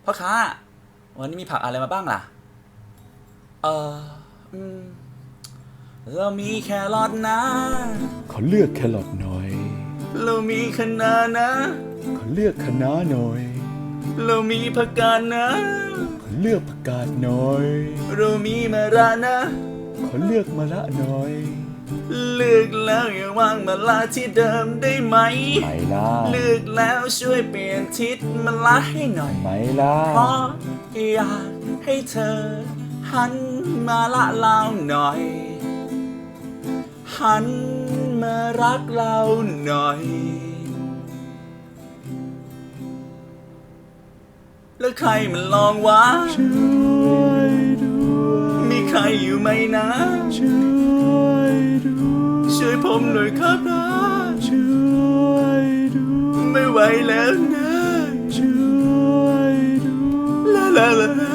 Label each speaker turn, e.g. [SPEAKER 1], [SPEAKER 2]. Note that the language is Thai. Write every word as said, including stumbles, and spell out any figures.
[SPEAKER 1] พ่อค้าวันนี้มีผักอะไรมาบ้างล่ะเอออืมเรามีแครอทนะ
[SPEAKER 2] ขอเลือกแครอทหน่อย
[SPEAKER 1] เรามีคะน้านะ
[SPEAKER 2] ขอเลือกคะน้าหน่อย
[SPEAKER 1] เรามีผักกาดนะ
[SPEAKER 2] ขอเลือกผักกาดหน่อย
[SPEAKER 1] เรามีมะระนะ
[SPEAKER 2] ขอเลือกมะระหน่อย
[SPEAKER 1] เลือกแล้วอย่าวางมะระที่เดิมได้ไหม
[SPEAKER 2] ไม่ล่ะ
[SPEAKER 1] เลือกแล้วช่วยเปลี่ยนทิศมะระให้หน่อย
[SPEAKER 2] ไม่ล่ะ
[SPEAKER 1] เพราะอยากให้เธอหันมาละเราหน่อยหันมารักเราหน่อยแล้วใครมันลองวะ
[SPEAKER 2] ช่วยด้วย
[SPEAKER 1] มีใครอยู่ไหมนะ
[SPEAKER 2] ช่วยด้วย
[SPEAKER 1] ช่วยผมหน่อยครับนะ
[SPEAKER 2] ช่วยด้วย
[SPEAKER 1] ไม่ไหวแล้วนะ
[SPEAKER 2] ช่วยด้วย
[SPEAKER 1] ลาลาลา